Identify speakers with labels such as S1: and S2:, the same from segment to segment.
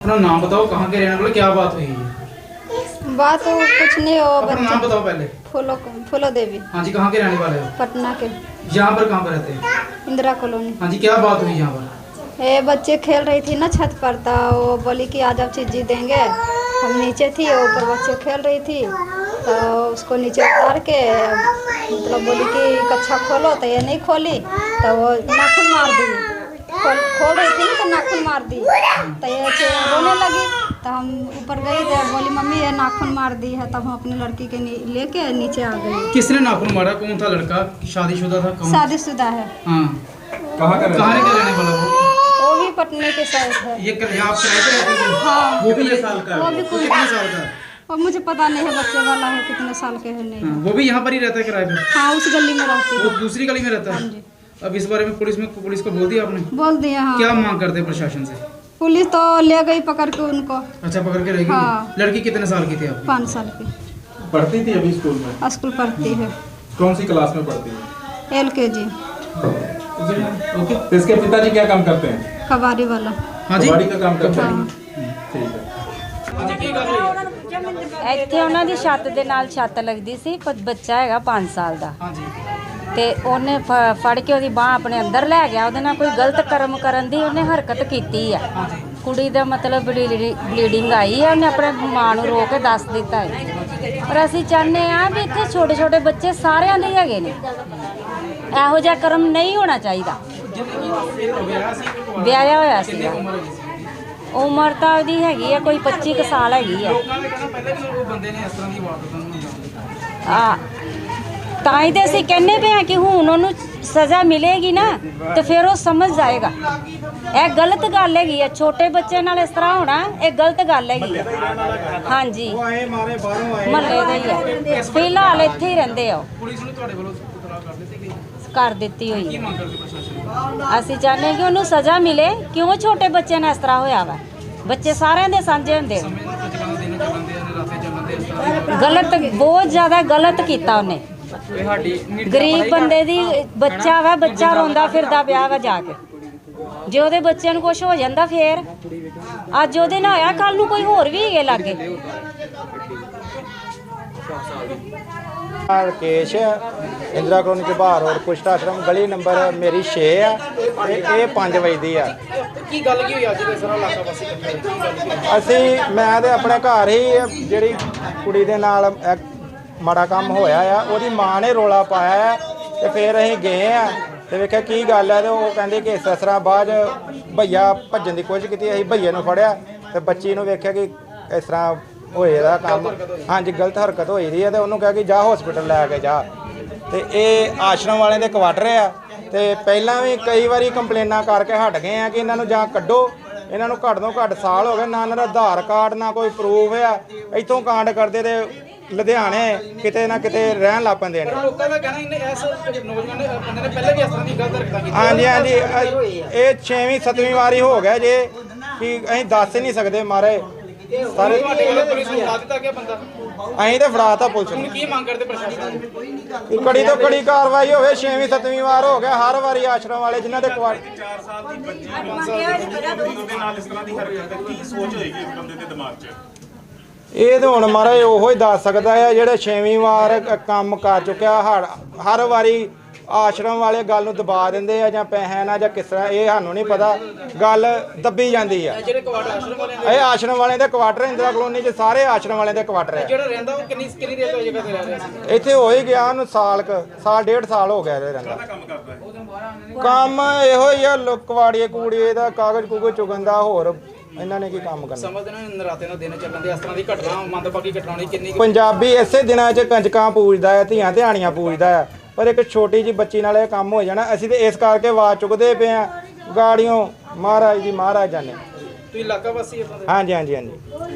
S1: अपना नाम बताओ, कहाँ के रहने वाले, क्या बात हुई है?
S2: बात तो कुछ नहीं हो।
S1: अपना नाम बताओ पहले।
S2: फूलो देवी।
S1: हाँ जी, कहाँ के रहने वाले हो?
S2: पटना के।
S1: यहाँ पर कहाँ पर रहते हैं?
S2: इंदिरा कॉलोनी।
S1: हाँ जी, क्या बात हुई यहाँ पर?
S2: ये बच्चे खेल रही थी ना छत पर, तो वो बोली कि आज आप चीज़ देंगे। हम नीचे थी, ऊपर बच्चे खेल रही थी, तो उसको नीचे उतार के मतलब बोली कि कच्छा खोलो, तो ये नहीं खोली, तो वो नाखून मार दी। खोल रही थी ना तो नाखून मार दी, तो ये रोने लगी। तो हम ऊपर गई थे, बोली मम्मी ये नाखून मार दी है। तब हम अपनी लड़की के लेके नीचे आ गए।
S1: किसने नाखून मारा? कौन था लड़का? शादीशुदा था? कौन?
S2: शादीशुदा है।
S1: हाँ, कहाँ का रहने वाला
S2: वो भी पटने के साइड है।
S1: ये यहाँ आप किराए पे रहते थे?
S2: हाँ,
S1: वो कितने साल का?
S2: वो भी कुछ
S1: कितने साल का?
S2: और मुझे पता नहीं है बच्चे वाला है, कितने साल के है नहीं।
S1: हाँ, वो भी यहाँ पर ही रहता है किराए पे?
S2: हाँ, उस गली में रहती
S1: वो
S2: है।
S1: दूसरी गली में रहता है?
S2: हाँ जी।
S1: अब इस बारे में पुलिस को बोल दिया आपने?
S2: बोल दिया। हाँ,
S1: क्या मांग करते हैं प्रशासन से?
S2: पुलिस तो ले गई पकड़ के उनको।
S1: अच्छा, पकड़ के रहेगी?
S2: हाँ।
S1: लड़की कितने साल की थी आप?
S2: 5 साल की।
S3: पढ़ती थी अभी स्कूल में?
S2: स्कूल पढ़ती है।
S3: कौन सी क्लास में पढ़ती है?
S2: LKG।
S1: ओके।
S3: तो इसके पिताजी क्या काम करते हैं?
S2: कबाड़ी वाला।
S1: हाँ जी,
S3: कबाड़ी का काम करते हैं।
S2: हाँ।
S3: ठीक है।
S4: ਇੱਥੇ ਉਹਨਾਂ ਦੀ ਛੱਤ ਦੇ ਨਾਲ ਛੱਤ ਲੱਗਦੀ ਸੀ। ਬੱਚਾ ਹੈਗਾ 5 ਸਾਲ ਦਾ
S1: हाँ जी,
S4: ਤੇ ਉਹਨੇ ਫੜ ਕੇ ਉਹਦੀ ਬਾਹ ਆਪਣੇ ਅੰਦਰ ਲੈ ਗਿਆ। ਉਹਦੇ ਨਾਲ ਕੋਈ ਗਲਤ ਕਰਮ ਕਰਨ ਦੀ ਉਹਨੇ ਹਰਕਤ ਕੀਤੀ ਆ।
S1: हाँ जी।
S4: ਕੁੜੀ ਦਾ ਮਤਲਬ ਬਲੀਡਿੰਗ ਆਈ ਹੈ। ਉਹਨੇ ਆਪਣੇ ਮਾਂ ਨੂੰ ਰੋ ਕੇ ਦੱਸ ਦਿੱਤਾ ਹੈ। ਪਰ ਅਸੀਂ ਚਾਹੁੰਦੇ ਆ ਵੀ ਇੱਥੇ ਛੋਟੇ ਛੋਟੇ ਬੱਚੇ ਸਾਰਿਆਂ ਦੇ ਹੈਗੇ ਨੇ। ਇਹੋ ਜਿਹਾ ਕਰਮ ਨਹੀਂ ਹੋਣਾ ਚਾਹੀਦਾ। ਵਿਆਹਿਆ ਹੋਇਆ ਸੀ। ਉਮਰ ਤਾਂ ਉਹਦੀ ਹੈਗੀ ਆ ਕੋਈ 25 ਕੁ ਸਾਲ ਹੈਗੀ ਆ।
S1: ਲੋਕਾਂ ਨੇ ਕਹਿਣਾ ਪਹਿਲਾਂ ਵੀ ਉਹ ਬੰਦੇ ਨੇ ਇਸ ਤਰ੍ਹਾਂ ਦੀ ਵਾਰਦਾਤਾਂ ਨੂੰ ਅੰਜਾਮ ਦਿੱਤਾ।
S4: ਆ ਤਾਂ ਹੀ ਤੇ ਅਸੀਂ ਕਹਿੰਦੇ ਪਏ ਆ ਕਿ ਹੁਣ ਉਹਨੂੰ ਸਜ਼ਾ ਮਿਲੇਗੀ ਨਾ ਤੇ ਫਿਰ ਉਹ ਸਮਝ ਜਾਏਗਾ। ਇਹ ਗਲਤ ਗੱਲ ਹੈਗੀ ਆ। ਛੋਟੇ ਬੱਚੇ ਨਾਲ ਇਸ ਤਰ੍ਹਾਂ ਹੋਣਾ ਇਹ ਗਲਤ ਗੱਲ ਹੈਗੀ ਆ। ਹਾਂਜੀ, ਮਹੱਲੇ ਦੇ ਹੀ ਆ। ਫਿਲਹਾਲ ਇੱਥੇ ਹੀ ਰਹਿੰਦੇ ਆ।
S1: ਪੁਲਿਸ ਨੂੰ ਤੁਹਾਡੇ ਵੱਲੋਂ ਇਤਲਾਹ ਕਰ ਦਿੱਤੀ ਗਈ?
S4: ਕਰ ਦਿੱਤੀ ਹੋਈ
S1: ਕੀ
S4: ਹੈ।
S1: ਮੰਗ ਕਰਦੇ ਪ੍ਰਸ਼ਾਸਨ?
S4: ਅਸੀਂ ਚਾਹੁੰਦੇ ਕਿ ਉਹਨੂੰ ਸਜ਼ਾ ਮਿਲੇ। ਕਿਉਂ ਛੋਟੇ ਬੱਚੇ ਨਾਲ ਇਸ ਤਰ੍ਹਾਂ ਹੋਇਆ ਵਾ? ਬੱਚੇ ਸਾਰਿਆਂ ਦੇ ਸਾਂਝੇ ਹੁੰਦੇ ਆ।
S1: ਸਮੇਂ ਨੂੰ ਚੱਲਣ ਦੇ, ਰਾਤੇ ਚੱਲਣ ਦੇ, ਇਸ ਤਰ੍ਹਾਂ ਦੀ
S4: ਗਲਤ, ਬਹੁਤ ਜ਼ਿਆਦਾ ਗਲਤ ਕੀਤਾ ਉਹਨੇ। ਗਰੀਬ ਬੰਦੇ ਦੀ ਬੱਚਾ ਵਾ, ਬੱਚਾ ਰੋਂਦਾ ਫਿਰਦਾ ਪਿਆ ਵਾ ਜਾ ਕੇ। ਜੇ ਉਹਦੇ ਬੱਚਿਆਂ ਨੂੰ ਕੁਝ ਹੋ ਜਾਂਦਾ ਫੇਰ ਅੱਜ ਉਹਦੇ ਨਾਲ ਹੋਇਆ, ਕੱਲ ਨੂੰ ਕੋਈ ਹੋਰ ਵੀ ਹੈਗੇ ਲਾਗੇ।
S5: ਰਕੇਸ਼ ਇੰਦਰਾ ਕਲੋਨੀ ਦੇ ਬਾਹਰ ਔਰ ਕੁਸ਼ਟ ਆਸ਼ਰਮ ਗਲੀ ਨੰਬਰ ਮੇਰੀ 6 ਆ ਤੇ ਇਹ 5 ਵਜੇ ਦੀ ਆ।
S1: ਕੀ ਗੱਲ ਕੀ ਹੋਈ ਅੱਜ ਦੇ ਸਾਰਾ ਇਲਾਕਾ ਵਾਸੀ ਇਕੱਠੇ ਹੋਏ? ਕੀ ਗੱਲ ਕੀ ਹੋਈ?
S5: ਅਸੀਂ ਮੈਂ ਤੇ ਆਪਣੇ ਘਰ ਹੀ ਜਿਹੜੀ ਕੁੜੀ ਦੇ ਨਾਲ ਮਾੜਾ ਕੰਮ ਹੋਇਆ ਆ ਉਹਦੀ ਮਾਂ ਨੇ ਰੋਲਾ ਪਾਇਆ ਆ ਤੇ ਫਿਰ ਅਸੀਂ ਗਏ ਆ ਤੇ ਵੇਖਿਆ ਕੀ ਗੱਲ ਹੈ ਤੇ ਉਹ ਕਹਿੰਦੇ ਕਿ ਇਸ ਤਰ੍ਹਾਂ ਬਾਅਦ ਭਈਆ ਭੱਜਣ ਦੀ ਕੋਸ਼ਿਸ਼ ਕੀਤੀ। ਅਸੀਂ ਭਈਏ ਨੂੰ ਫੜਿਆ ਤੇ ਬੱਚੀ ਨੂੰ ਵੇਖਿਆ ਕਿ ਇਸ ਤਰ੍ਹਾਂ ਹੋਏ ਦਾ ਕੰਮ। ਹਾਂਜੀ, ਗਲਤ ਹਰਕਤ ਹੋਈ ਦੀ ਹੈ ਤੇ ਉਹਨੂੰ ਕਿਹਾ ਕਿ ਜਾ ਹਸਪੀਟਲ ਲੈ ਕੇ ਜਾ। ਤੇ ਇਹ ਆਸ਼ਰਮ ਵਾਲਿਆਂ ਦੇ ਕੁਆਟਰ ਆ ਤੇ ਪਹਿਲਾਂ ਵੀ ਕਈ ਵਾਰੀ ਕੰਪਲੇਨਾਂ ਕਰਕੇ ਹਟ ਗਏ ਆ ਕਿ ਇਹਨਾਂ ਨੂੰ ਜਾਂ ਕੱਢੋ। ਇਹਨਾਂ ਨੂੰ ਘੱਟ ਤੋਂ ਘੱਟ ਸਾਲ ਹੋ ਗਏ, ਨਾ ਇਹਨਾਂ ਦਾ ਆਧਾਰ ਕਾਰਡ ਨਾ ਕੋਈ ਪ੍ਰੂਫ ਆ। ਇੱਥੋਂ ਕਾਂਡ ਕਰਦੇ ਤੇ ਲੁਧਿਆਣੇ ਕਿਤੇ ਨਾ ਕਿਤੇ ਰਹਿਣ ਲੱਗ ਪੈਂਦੇ ਨੇ।
S1: ਲੋਕਾਂ ਦਾ ਕਹਿਣਾ ਇਹਨੇ ਇਸ ਨੌਜਵਾਨ ਨੇ ਬੰਦੇ ਨੇ ਪਹਿਲੇ ਵੀ ਇਸ ਤਰ੍ਹਾਂ ਦੀ ਗਲਤ ਹਰਕਤਾਂ ਕੀਤੀਆਂ।
S5: ਹਾਂਜੀ ਹਾਂਜੀ, ਇਹ 6ਵੀਂ 7ਵੀਂ ਵਾਰੀ ਹੋ ਗਿਆ ਜੇ ਕਿ ਅਸੀਂ ਦੱਸ ਹੀ ਨਹੀਂ ਸਕਦੇ ਮਾਰੇ ਸਾਰੇ।
S1: ਤੁਹਾਡੇ ਵੱਲੋਂ ਪੁਲਿਸ ਨੂੰ ਫੜਾ ਦਿੱਤਾ ਗਿਆ ਬੰਦਾ?
S5: ਅਸੀਂ ਤੇ ਫੜਾਤਾ ਪੁਲਿਸ
S1: ਹੁਣ
S5: ਨੂੰ।
S1: ਕੀ ਮੰਗ ਕਰਦੇ ਪ੍ਰਸ਼ਾਸਨ ਤੋਂ?
S5: ਕਿ ਕੜੀ ਤੋਂ ਕੜੀ ਕਾਰਵਾਈ ਹੋਵੇ। 6ਵੀਂ 7ਵੀਂ ਵਾਰ ਹੋ ਗਿਆ ਹਰ ਵਾਰੀ ਆਸ਼ਰਮ ਵਾਲੇ ਜਿਨ੍ਹਾਂ ਦੇ ਕੁਆਟਰ।
S3: 4 ਸਾਲ ਦੀ ਬੱਚੀ 5 ਸਾਲ ਦੀ ਕੁੜੀ ਦੇ ਨਾਲ ਇਸ ਤਰ੍ਹਾਂ ਦੀ ਹਰਕਤ ਹੈ, ਕੀ ਸੋਚ ਹੋਏਗੀ ਇਸ ਬੰਦੇ ਦੇ ਦਿਮਾਗ 'ਚ?
S5: ਇਹ ਤਾਂ ਹੁਣ ਮਹਾਰਾਜ ਉਹੋ ਹੀ ਦੱਸ ਸਕਦਾ ਹੈ ਜਿਹੜੇ 6ਵੀਂ ਵਾਰ ਕੰਮ ਕਰ ਚੁੱਕਿਆ। ਹਰ ਵਾਰੀ ਆਸ਼ਰਮ ਵਾਲੇ ਗੱਲ ਨੂੰ ਦਬਾ ਦਿੰਦੇ ਆ ਜਾਂ ਪੈਸੇ ਨਾਲ ਜਾਂ ਕਿਸ ਤਰ੍ਹਾਂ, ਇਹ ਸਾਨੂੰ ਨਹੀਂ ਪਤਾ। ਗੱਲ ਦੱਬੀ ਜਾਂਦੀ ਆ।
S1: ਜਿਹੜੇ ਕੁਆਟਰ ਆਸ਼ਰਮ ਵਾਲਿਆਂ ਦੇ,
S5: ਇਹ ਆਸ਼ਰਮ ਵਾਲਿਆਂ ਦੇ ਕੁਆਟਰ ਇੰਦਰਾ ਕਲੋਨੀ 'ਚ ਸਾਰੇ ਆਸ਼ਰਮ ਵਾਲਿਆਂ ਦੇ ਕੁਆਟਰ ਹੈ।
S1: ਜਿਹੜਾ ਰਹਿੰਦਾ ਉਹ ਕਿੰਨੀ ਦੇਰ ਤੋਂ ਜਗ੍ਹਾ ਤੇ ਰਹਿ ਰਿਹਾ ਸੀ?
S5: ਇੱਥੇ ਹੋ ਹੀ ਗਿਆ ਉਹਨੂੰ ਸਾਲ 1.5 ਸਾਲ ਹੋ ਗਿਆ ਇਹ ਰਹਿੰਦਾ।
S3: ਕੰਮ ਕਰਦਾ ਹੈ
S5: ਕੰਮ ਇਹੋ ਹੀ ਆ ਕਵਾੜੀਏ ਕੂੜੀਏ ਦਾ, ਕਾਗਜ਼ ਕੂਗਜ਼ ਚੁਗਣ ਦਾ। ਹੋਰ ਇਹਨਾਂ ਨੇ ਕੀ ਕੰਮ ਕਰਨਾ?
S1: ਸਮਝਦੇ ਨੇ ਨਰਾਤੇ ਨਾਲ ਦਿਨ ਚੱਲਣ ਦੇ, ਇਸ ਤਰ੍ਹਾਂ ਦੀ ਘਟਨਾ ਮੰਦਭਾਗੀ ਘਟਨਾ ਹੋਣੀ ਕਿੰਨੀ
S5: ਪੰਜਾਬੀ ਇਸੇ ਦਿਨਾਂ 'ਚ ਕੰਜਕਾਂ ਪੂਜਦਾ ਹੈ, ਧੀਆਂ ਧਿਆਣੀਆਂ ਪੂਜਦਾ ਹੈ। ਪਰ ਇੱਕ ਛੋਟੀ ਜਿਹੀ ਬੱਚੀ ਨਾਲ ਇਹ ਕੰਮ ਹੋ ਜਾਣਾ। ਅਸੀਂ ਤੇ ਇਸ ਕਰਕੇ ਆਵਾਜ਼ ਚੁੱਕਦੇ ਪਏ ਆ ਗਾੜੀਆਂ ਮਹਾਰਾਜ ਦੀ ਮਹਾਰਾਜ ਜਾਨੇ।
S1: ਤੁਸੀਂ ਇਲਾਕਾ ਵਾਸੀ ਹੋ?
S5: ਹਾਂਜੀ ਹਾਂਜੀ ਹਾਂਜੀ।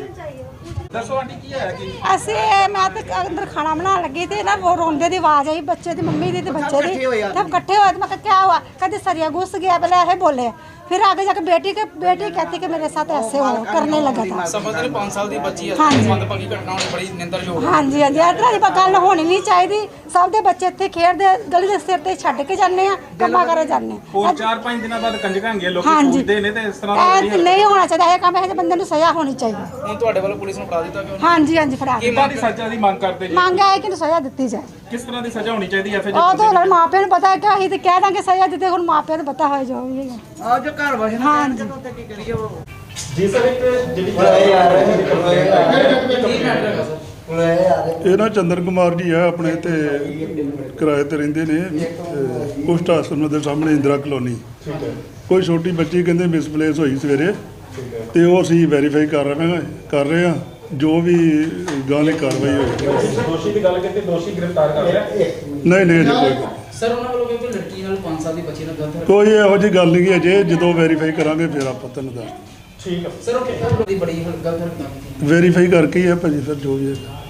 S1: ਦੱਸੋ ਆਂਟੀ ਕੀ ਹੈ ਕਿ
S6: ਅਸੀਂ ਮੈਂ ਤੇ ਅੰਦਰ ਖਾਣਾ ਬਣਾਉਣ ਲੱਗੀ ਤੇ ਨਾ ਉਹ ਰੋਂਦੇ ਦੀ ਆਵਾਜ਼ ਆਈ, ਬੱਚੇ ਦੀ ਮੰਮੀ ਦੀ ਤੇ ਬੱਚੇ ਦੀ। ਸਭ ਇਕੱਠੇ ਹੋਏ ਤੇ ਮੈਂ ਕਿਹਾ ਕੀ ਹੁਆ? ਕਹਿੰਦੇ ਸਰੀਆ ਘੁਸ ਗਿਆ, ਪਹਿਲਾਂ ਇਹ ਬੋਲੇ। फिर आगे जाके बेटी कहती कि मेरे साथ ऐसे हो करने लगा था।
S1: ਸਮਝਦੇ ਨੇ 5 ਸਾਲ ਦੀ ਬੱਚੀ ਹੈ
S6: ਹਾਂਜੀ।
S1: ਮੰਦਭਾਗੀ ਘਟਨਾ ਹੋਣੀ ਬੜੀ ਨਿੰਦਰਯੋਗ ਹੈ।
S6: हाँ जी हाँ जी इस तरह की गल होनी नहीं चाहिए। सब दे बच्चे इत्थे खेडदे गली दे सिर ते छड्ड के जाने आ कम्मा करे जाने।
S3: ਹੋਰ 4-5 ਦਿਨਾਂ ਬਾਅਦ ਕੰਜਕਾਂ ਹੈਗੀਆਂ ਲੋਕੀ
S6: ਹਾਂਜੀ।
S3: ਪੁੱਛਦੇ ਨੇ ਤੇ ਇਸ ਤਰ੍ਹਾਂ ਦਾ
S6: ऐ नहीं होना चाहिए। ये काम ऐसे बंदे नूं सज़ा होनी चाहिए।
S1: ਹੁਣ ਤੁਹਾਡੇ ਵੱਲੋਂ ਪੁਲਿਸ ਨੂੰ ਫੜਾ ਦਿੱਤਾ ਗਿਆ
S6: हाँ जी हाँ जी फड़ा के
S3: ਕਿੰਨਾ ਦੀ ਸਜ਼ਾ ਦੀ ਮੰਗ ਕਰਦੇ ਜੀ
S6: मांगा है कि इन्हूं सज़ा दित्ती जाए।
S3: ਕਿਸ ਤਰ੍ਹਾਂ ਦੀ ਸਜ਼ਾ ਹੋਣੀ ਚਾਹੀਦੀ ਹੈ ਫਿਰ
S6: ਉਹ ਤਾਂ ਹੁਣ ਮਾਪਿਆਂ ਨੂੰ ਪਤਾ ਹੈ ਕਿ ਅਸੀਂ ਤੇ ਕਹਿ ਦਾਂਗੇ ਸਜ਼ਾ ਦਿੱਤੇ ਹੁਣ ਮਾਪਿਆਂ ਨੂੰ ਪਤਾ ਹੋਏ ਜੋ ਵੀ ਹੈ।
S1: ਆ ਜੋ ਘਰ ਵਸਣਾ
S6: ਹਾਂਜੀ
S1: ਕੀ ਕਰੀਏ ਉਹ
S3: ਜੀ ਸਰ ਇੱਕ ਜਿਹੜੀ
S7: ਇਹ ਨਾ ਚੰਦਰ ਕੁਮਾਰ ਜੀ ਆ ਆਪਣੇ ਤੇ ਕਿਰਾਏ ਤੇ ਰਹਿੰਦੇ ਨੇ ਕੁਸ਼ਟ ਆਸ਼ਰਮ ਦੇ ਸਾਹਮਣੇ ਇੰਦਰਾ ਕਲੋਨੀ। ਕੋਈ ਛੋਟੀ ਬੱਚੀ ਕਹਿੰਦੇ ਮਿਸਪਲੇਸ ਹੋਈ ਸਵੇਰੇ ਤੇ ਉਹ ਅਸੀਂ ਵੈਰੀਫਾਈ ਕਰ ਰਹੇ ਹਾਂ ਜੋ ਵੀ ਗਾਲੀ ਕਾਰਵਾਈ ਹੋਈ।
S3: ਦੋਸ਼ੀ ਦੀ ਗੱਲ ਕੀਤੀ ਦੋਸ਼ੀ ਗ੍ਰਿਫਤਾਰ ਕਰ ਲਿਆ
S7: ਨਹੀਂ ਜੀ ਕੋਈ
S1: ਸਰ ਉਹਨਾਂ ਵੱਲੋਂ ਕਿਉਂਕਿ ਲੜਕੀ ਨਾਲ 5 ਸਾਲ ਦੀ ਬੱਚੀ ਨਾਲ ਗਲਤ
S7: ਕੋਈ ਇਹੋ ਜਿਹੀ ਗੱਲ ਨਹੀਂ ਅਜੇ ਜਦੋਂ ਵੈਰੀਫਾਈ ਕਰਾਂਗੇ ਫਿਰ ਆਪਾਂ ਤੁਹਾਨੂੰ ਦੱਸ
S3: ਠੀਕ ਹੈ
S1: ਸਰ ਉਹ ਕਿੰਨਾ ਬੜੀ ਗਲਤ ਹਰਕਤ ਕੀਤੀ
S7: ਵੈਰੀਫਾਈ ਕਰਕੇ ਹੀ ਹੈ ਭਾਜੀ ਫਿਰ ਜੋ ਵੀ ਹੈ।